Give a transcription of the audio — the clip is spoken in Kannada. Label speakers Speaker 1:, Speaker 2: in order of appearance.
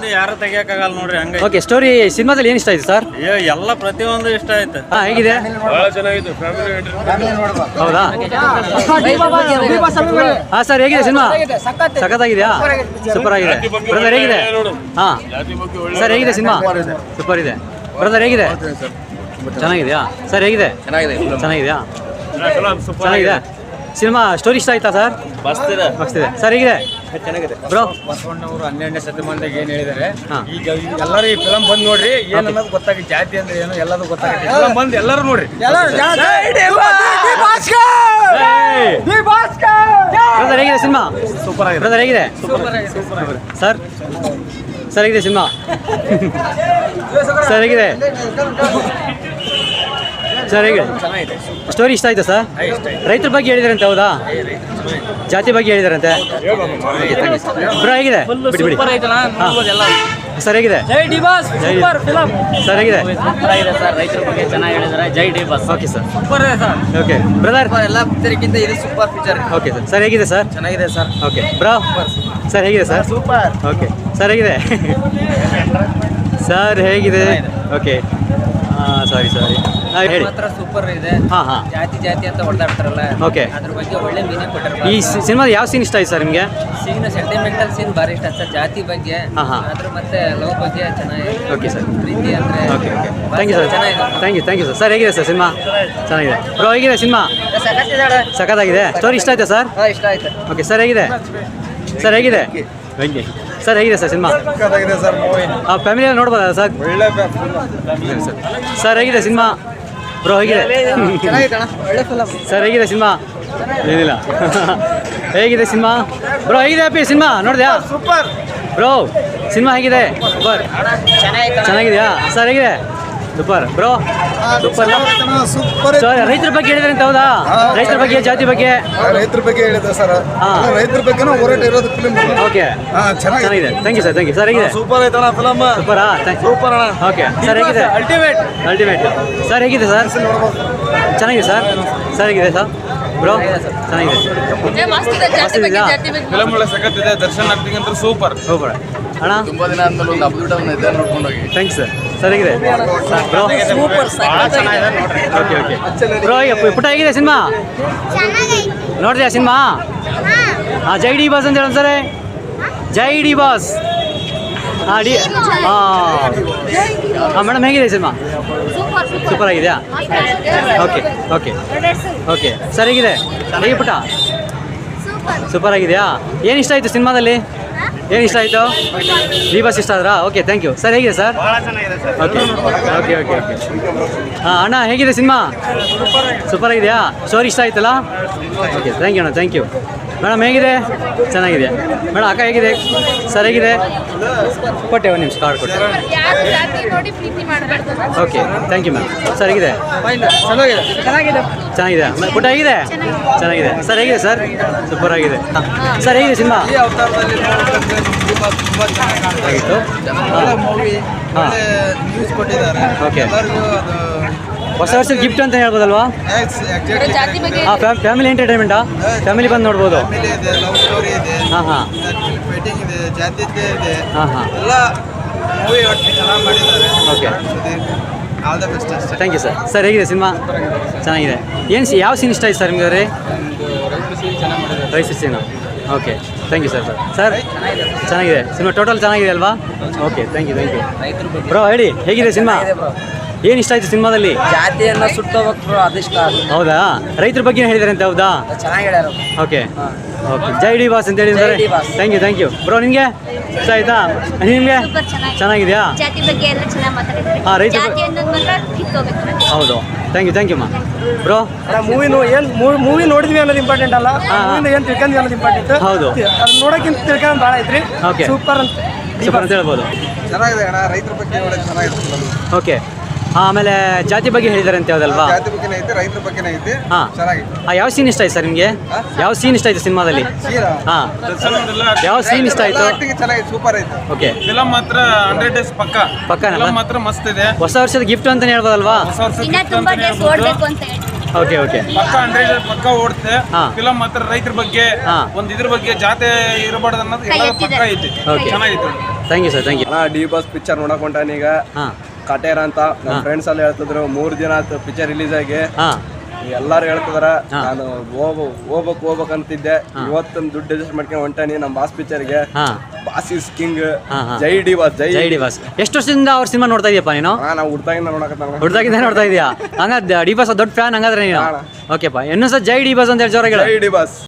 Speaker 1: ಯಾರು ತೆಗಿಯಕ್ಕಾಗಲ್ಲ ನೋಡ್ರಿ ಹಂಗ.
Speaker 2: ಓಕೆ, ಸ್ಟೋರಿ ಸಿನಿಮಾದಲ್ಲಿ ಏನು ಇಷ್ಟ ಆಯ್ತು ಸರ್?
Speaker 1: ಎಲ್ಲ ಪ್ರತಿಯೊಂದು ಇಷ್ಟ ಆಯ್ತು.
Speaker 2: ಹೇಗಿದೆ? ಹೌದಾ? ಸರ್ ಹೇಗಿದೆ ಸಿನಿಮಾ? ಸಖತ್ತಾಗಿದೆಯಾ? ಸೂಪರ್ ಆಗಿದೆ. ಬ್ರದರ್ ಹೇಗಿದೆ? ಸರ್ ಹೇಗಿದೆ ಸಿನಿಮಾ? ಸೂಪರ್ ಇದೆ. ಬ್ರದರ್ ಹೇಗಿದೆ? ಚೆನ್ನಾಗಿದೆಯಾ? ಸರ್ ಹೇಗಿದೆ? ಚೆನ್ನಾಗಿದೆಯಾ? ಚೆನ್ನಾಗಿದೆ ಸಿನಿಮಾ. ಸ್ಟೋರಿ ಇಷ್ಟ ಆಯ್ತಾ ಸರ್? ಮಸ್ತ್ ಇದೆ. ಸರ್ ಹೇಗಿದೆ?
Speaker 3: ಚೆನ್ನಾಗಿದೆ
Speaker 2: ಬ್ರೋ.
Speaker 3: ಬಸವಣ್ಣವರು 12ನೇ ಶತಮಾನದಾಗ ಏನು ಹೇಳಿದ್ದಾರೆ, ಈಗ ಎಲ್ಲರೂ ಈ ಫಿಲಮ್ ಬಂದು ನೋಡ್ರಿ, ಏನನ್ನೋದು ಗೊತ್ತಾಗಿ ಜಾತಿ ಅಂದ್ರೆ ಏನು ಎಲ್ಲದೂ ಗೊತ್ತಾಗುತ್ತೆ. ಫಿಲಮ್ ಬಂದು ಎಲ್ಲರೂ ನೋಡ್ರಿ.
Speaker 2: ಬ್ರದರ್ ಹೇಗಿದೆ ಸಿನಿಮಾ?
Speaker 3: ಸೂಪರ್ ಆಗಿದೆ.
Speaker 2: ಬ್ರದರ್ ಹೇಗಿದೆ? ಸರ್ ಸರ್ ಹೇಗಿದೆ ಸಿನಿಮಾ? ಸರ್ ಹೇಗಿದೆ? ಸರ್ ಹೇಗೆ? ಸ್ಟೋರಿ ಇಷ್ಟ ಆಯ್ತಾ ಸರ್? ರೈತರ ಬಗ್ಗೆ ಹೇಳಿದಾರಂತೆ, ಹೌದಾ? ಜಾತಿ ಬಗ್ಗೆ ಹೇಳಿದಾರಂತೆ. ಬ್ರೋ ಹೇಗಿದೆ? ಬಿಡಿ. ಸರ್ ಹೇಗಿದೆ? ಸರ್ ಹೇಗಿದೆ?
Speaker 4: ರೈತರ ಬಗ್ಗೆ ಚೆನ್ನಾಗಿ ಹೇಳಿದ್ದಾರೆ. ಜೈ D boss.
Speaker 2: Okay sir. Okay brother,
Speaker 4: ಎಲ್ಲ ಪಿಕ್ಚರ್ಗಿಂತ ಇದು super picture.
Speaker 2: Okay sir. Sir ಹೇಗಿದೆ ಸರ್?
Speaker 4: ಚೆನ್ನಾಗಿದೆ ಸರ್.
Speaker 2: Okay bro. ಸರ್ ಹೇಗಿದೆ ಸರ್?
Speaker 3: ಸೂಪರ್.
Speaker 2: ಓಕೆ ಸರ್ ಹೇಗಿದೆ? ಸರ್ ಹೇಗಿದೆ? ಓಕೆ ಸಾರಿ ಹೇಳಿ.
Speaker 4: ಮಾತ್ರ ಸೂಪರ್ ಇದೆ. ಜಾತಿ ಅಂತ ಹೊಡೆದಾಡ್ತಾರಲ್ಲ,
Speaker 2: ಓಕೆ,
Speaker 4: ಅದ್ರ ಬಗ್ಗೆ ಒಳ್ಳೆ ಮೀನಿಂಗ್ ಕೊಟ್ಟಿರ್ತಾರೆ.
Speaker 2: ಈ ಸಿನಿಮಾದ ಯಾವ ಸೀನ್ ಇಷ್ಟ ಆಯ್ತು ಸರ್ ನಿಮಗೆ?
Speaker 4: ಸೀನ್ ಸೆಂಟಿಮೆಂಟಲ್ ಸೀನ್ ಭಾರಿ ಇಷ್ಟ ಸರ್. ಜಾತಿ ಬಗ್ಗೆ, ಅದ್ರ ಮತ್ತೆ ಲವ್ ಬಗ್ಗೆ ಚೆನ್ನಾಗಿದೆ.
Speaker 2: Okay sir.
Speaker 4: ಪ್ರೀತಿ ಅಂದ್ರೆ
Speaker 2: okay thank you sir. Thank you sir. Sir ಹೇಗಿದೆ ಸರ್ ಸಿನಿಮಾ? ಚೆನ್ನಾಗಿದೆ. ಬ್ರೋ ಹೇಗಿದೆ ಸಿನಿಮಾ? ಸಖತ್ತಾಗಿದೆ. ಸ್ಟೋರಿ ಇಷ್ಟ ಆಯ್ತಾ ಸರ್?
Speaker 4: ಇಷ್ಟ ಆಯ್ತು.
Speaker 2: ಓಕೆ ಸರ್ ಹೇಗಿದೆ? ಸರ್ ಹೇಗಿದೆ? ಸರ್ ಹೇಗಿದೆ ಸರ್ ಸಿನಿಮಾ? ಫ್ಯಾಮಿಲಿಯಲ್ಲಿ ನೋಡ್ಬೋದಾ ಸರ್? ಸರ್ ಹೇಗಿದೆ ಸಿನಿಮಾ? ಬ್ರೋ ಹೇಗಿದೆ? ಸರ್ ಹೇಗಿದೆ ಸಿನಿಮಾ? ಏನಿಲ್ಲ. ಹೇಗಿದೆ ಸಿನಿಮಾ? ಬ್ರೋ ಹೇಗಿದೆ ಅಪ್ಪಿ ಸಿನಿಮಾ? ನೋಡಿದ್ಯಾ?
Speaker 3: ಸೂಪರ್.
Speaker 2: ಬ್ರೋ ಸಿನಿಮಾ ಹೇಗಿದೆ? ಸೂಪರ್. ಚೆನ್ನಾಗಿದೆಯಾ? ಸರ್ ಹೇಗಿದೆ? ಸೂಪರ್. Bro super. ರೈತರ ಬಗ್ಗೆ ಹೇಳಿದ್ರೆ ಅಂತ, ಹೌದಾ? ರೈತರ ಬಗ್ಗೆ, ಜಾತಿ ಬಗ್ಗೆ,
Speaker 3: ರೈತರ ಬಗ್ಗೆ ಹೇಳಿದೆ ಸರ್. ರೈತರ ಬಗ್ಗೆ ಹೋರಾಟ ಇರೋದು ಫಿಲ್ಮ್.
Speaker 2: ಓಕೆ ಚೆನ್ನಾಗಿದೆ. Thank you sir. Thank you. Sir ಹೇಗಿದೆ?
Speaker 3: ಸೂಪರ್ ಆಯ್ತಣ್ಣ ಫಿಲಮ್.
Speaker 2: ಸೂಪರಾ?
Speaker 3: ಸೂಪರ್ ಅಣ್ಣ.
Speaker 2: ಓಕೆ ಸರ್ ಹೇಗಿದೆ? ಅಲ್ಟಿಮೇಟ್. ಸರ್ ಹೇಗಿದೆ ಸರ್? ಚೆನ್ನಾಗಿದೆ ಸರ್. ಸರ್ ಹೇಗಿದೆ ಸರ್? ಬ್ರೋ ಚೆನ್ನಾಗಿದೆ.
Speaker 3: ಫಿಲಮ್ ಒಳ್ಳೆ ಸಖತ್ತಿದೆ. ದರ್ಶನ್ ಆಕ್ಟಿಂಗ್ ಅಂತ ಸೂಪರ್.
Speaker 2: ಅಣ್ಣ
Speaker 3: ತುಂಬಾ ದಿನ ಆದ್ಮೇಲೆ ಒಂದು ಅದ್ಭುತ ಇದೆ, ನೋಡ್ಕೊಂಡು ಹೋಗಿ.
Speaker 2: Thanks sir. ಸರ್ ಹೇಗಿದೆ? Bro okay. ಬ್ರೋ ಪುಟ್ಟ ಹೇಗಿದೆ ಸಿನಿಮಾ? ನೋಡಿದ್ಯಾ ಸಿನಿಮಾ? ಜೈ ಡಿ ಬಾಸ್ ಅಂತ ಹೇಳೋಣ ಸರ್. ಜೈ ಡಿ ಬಾಸ್. ಮೇಡಮ್ ಹೇಗಿದೆ ಸಿನಿಮಾ? ಸೂಪರ್ ಆಗಿದೆಯಾ? ಓಕೆ ಸರ್ ಹೇಗಿದೆ? ಹೇಗೆ ಪುಟ್ಟ? ಸೂಪರ್ ಆಗಿದೆಯಾ? ಏನು ಇಷ್ಟ ಆಯಿತು ಸಿನಿಮಾದಲ್ಲಿ? ಏನು ಇಷ್ಟ ಆಯಿತು? ಡಿ ಬಾಸ್ ಇಷ್ಟ ಆದ್ರಾ? Okay thank you. ಸರ್ ಹೇಗಿದೆ ಸರ್? ಓಕೆ ಅಣ್ಣ ಹೇಗಿದೆ ಸಿನಿಮಾ? ಸೂಪರ್ ಆಗಿದೆಯಾ? ಸ್ಟೋರಿ ಇಷ್ಟ ಆಯ್ತಲ್ಲ? ಓಕೆ ಥ್ಯಾಂಕ್ ಯು ಅಣ್ಣ. Thank you. ಮೇಡಮ್ ಹೇಗಿದೆ? ಚೆನ್ನಾಗಿದೆ. ಮೇಡಮ್ ಅಕ್ಕ ಹೇಗಿದೆ? ಸರ್ ಹೇಗಿದೆ? ಕೊಟ್ಟೆ ಒಂದು ನಿಮಿಷ ಕಾರ್ಡ್ ಕೊಟ್ಟೆ. Okay thank you ma'am. Sir ಹೇಗಿದೆ? ಚೆನ್ನಾಗಿದೆ. ಪುಟ್ಟ ಹೇಗಿದೆ? ಚೆನ್ನಾಗಿದೆ. ಸರ್ ಹೇಗಿದೆ ಸರ್? ಸೂಪರ್ ಆಗಿದೆ. ಸರ್ ಹೇಗಿದೆ ಸಿನಿಮಾ? ಆಗಿತ್ತು. ಓಕೆ ಹೊಸ ವರ್ಷದ ಗಿಫ್ಟ್ ಅಂತ ಹೇಳ್ಬೋದಲ್ವಾ? ಫ್ಯಾಮಿಲಿ ಎಂಟರ್ಟೈನ್ಮೆಂಟಾ? ಫ್ಯಾಮಿಲಿ ಬಂದು ನೋಡ್ಬೋದು. Okay thank you sir. Sir ಹೇಗಿದೆ ಸಿನಿಮಾ? ಚೆನ್ನಾಗಿದೆ. ಯಾವ ಸೀನ್ ಇಷ್ಟ ಆಯ್ತು ಸರ್ ನಿಮಗೆ? ರೈಸ್ scene. Okay thank you sir. Sir ಚೆನ್ನಾಗಿದೆ ಸಿನಿಮಾ. ಟೋಟಲ್ ಚೆನ್ನಾಗಿದೆ ಅಲ್ವಾ? Okay thank you. ಬ್ರೋ ಹೇಳಿ ಹೇಗಿದೆ ಸಿನಿಮಾ? ಏನು ಇಷ್ಟ ಆಯ್ತು ಸಿನಿಮಾದಲ್ಲಿ?
Speaker 4: ಜಾತಿಯನ್ನ ಸುಟ್ಟೋಗ್ಬೇಕು, ಅದಿಷ್ಟ.
Speaker 2: ಹೌದಾ? ರೈತರ ಬಗ್ಗೆ ಹೇಳಿದಾರೆ ಅಂತ, ಹೌದಾ?
Speaker 4: ಚೆನ್ನಾಗಿ ಹೇಳ್ಯಾರ.
Speaker 2: ಓಕೆ ಜೈ ಡಿ ಬಾಸ್ ಅಂತ ಹೇಳಿದ್ದಾರೆ. Thank you. ಬ್ರೋ ನಿಮಗೆ ಇಷ್ಟ ಆಯ್ತಾ? ನಿಮಗೆ ಚೆನ್ನಾಗಿದೆಯಾ? ರೈತರ ಹೌದು. ಥ್ಯಾಂಕ್ ಯು ಮಾ. ಬ್ರೋ
Speaker 3: ಮೂವಿ ನೋಡಿದ್ವಿ ಅನ್ನೋದು ಇಂಪಾರ್ಟೆಂಟ್ ಅಲ್ಲ, ಏನು ತಿಳ್ಕೊಂಡ್ವಿ ಅನ್ನೋದು ಇಂಪಾರ್ಟೆಂಟ್.
Speaker 2: ಹೌದು,
Speaker 3: ಅದು ನೋಡೋಕ್ಕಿಂತ ತಿಳ್ಕೊಂಡು ಭಾಳ ಐತ್ರಿ.
Speaker 2: ಓಕೆ
Speaker 3: ಸೂಪರ್ ಅಂತ
Speaker 2: ಹೇಳ್ಬೋದು.
Speaker 3: ಚೆನ್ನಾಗಿದೆ ಅಣ್ಣ. ರೈತರ ಬಗ್ಗೆ ಒಳ್ಳೆ ಚೆನ್ನಾಗಿದೆ.
Speaker 2: ಓಕೆ ಆಮೇಲೆ ಜಾತಿ ಬಗ್ಗೆ ಹೇಳಿದಾರೆ ಅಂತ ಯಾವುದಲ್ವಾ?
Speaker 3: ಜಾತಿ ಬಗ್ಗೆ ಐತೆ, ರೈತರ ಬಗ್ಗೆ ಐತೆ. ಚೆನ್ನಾಗಿದೆ.
Speaker 2: ಯಾವ ಸೀನ್ ಇಷ್ಟ ಆಯ್ತು ಸರ್ ನಿಮಗೆ? ಯಾವ ಸೀನ್ ಇಷ್ಟ ಆಯ್ತು ಸಿನಿಮಾದಲ್ಲಿ? ಯಾವ ಸೀನ್ ಇಷ್ಟ ಆಯ್ತು?
Speaker 3: ಚೆನ್ನಾಗಿದೆ, ಸೂಪರ್ ಐತೆ.
Speaker 2: ಓಕೆ
Speaker 5: ಫಿಲಮ್ ಮಾತ್ರ 100 ಡೇಸ್ ಪಕ್ಕ ಮಾತ್ರ ಮಸ್ತ್ ಇದೆ.
Speaker 2: ಹೊಸ ವರ್ಷದ ಗಿಫ್ಟ್ ಅಂತಾನೆ ಹೇಳ್ಬೋದಲ್ವಾ? ಓಕೆ
Speaker 5: ಪಕ್ಕ 100 ಡೇಸ್ ಪಕ್ಕ ಓಡುತ್ತೆ. ಫಿಲಮ್ ಮಾತ್ರ ರೈತರ ಬಗ್ಗೆ, ಒಂದ್ ಇದ್ರ ಬಗ್ಗೆ ಜಾತಿ ಇರಬಾರ್ದು ಅನ್ನೋದು ಎಲ್ಲ ಪಕ್ಕ ಐತಿ. ಚೆನ್ನಾಗಿತ್ತು.
Speaker 2: Thank you sir thank you.
Speaker 6: ಅಣ್ಣ ಡಿ ಬಾಸ್ ಪಿಕ್ಚರ್ ನೋಡಕ್ ಹೊಂಟಾನೀಗ
Speaker 2: ಹಾಂ
Speaker 6: ಕಟೇರ ಅಂತ ನಮ್ಮ ಫ್ರೆಂಡ್ಸ್ ಎಲ್ಲ ಹೇಳ್ತಿದ್ರು 3 ದಿನ ಆಯ್ತು ಪಿಕ್ಚರ್ ರಿಲೀಸ್ ಆಗಿ.
Speaker 2: ಹಾಂ
Speaker 6: ಎಲ್ಲಾರು ಹೇಳ್ತಿದಾರ ನಾನು ಹೋಗ್ಬೇಕು ಅಂತಿದ್ದೆ. ಇವತ್ತೊಂದು ದುಡ್ಡು ಅಡ್ಜಸ್ಟ್ ಮಾಡ್ಕೊಂಡು ಹೊಂಟಾನಿ ನಮ್ಮ ಬಾಸ್ ಪಿಕ್ಚರ್ಗೆ.
Speaker 2: ಹಾಂ
Speaker 6: ಬಾಸ್ ಇಸ್ ಕಿಂಗ್.
Speaker 2: ಹಾಂ ಹಾಂ
Speaker 6: ಜೈ ಡಿ ಬಾಸ್ ಜೈ
Speaker 2: ಜೈ ಡಿ ಬಾಸ್. ಎಷ್ಟು ವರ್ಷದಿಂದ ಅವ್ರ ಸಿನಿಮಾ ನೋಡ್ತಾ ಇದೀಯಪ್ಪ ನೀನು?
Speaker 6: ನಾವು ಹುಡ್ತಾಗಿಂದ ನೋಡಕತ್ತ
Speaker 2: ಹುಡ್ದಾಗಿಂದ ನೋಡ್ತಾ ಇದೀಯಾ? ಹಂಗಾದ್ರೆ ಡಿ ಬಾಸ್ ದೊಡ್ಡ ಫ್ಯಾನ್ ಹಂಗಾದ್ರೆ ನೀನು? ಓಕೆಪ್ಪ ಇನ್ನೊಂದ್ಸಲ ಜೈ ಡಿ ಬಾಸ್ ಅಂತ ಹೇಳಿ ಜೋರಾಗಿ ಹೇಳು.
Speaker 6: ಜೈ ಡಿ ಬಾಸ್.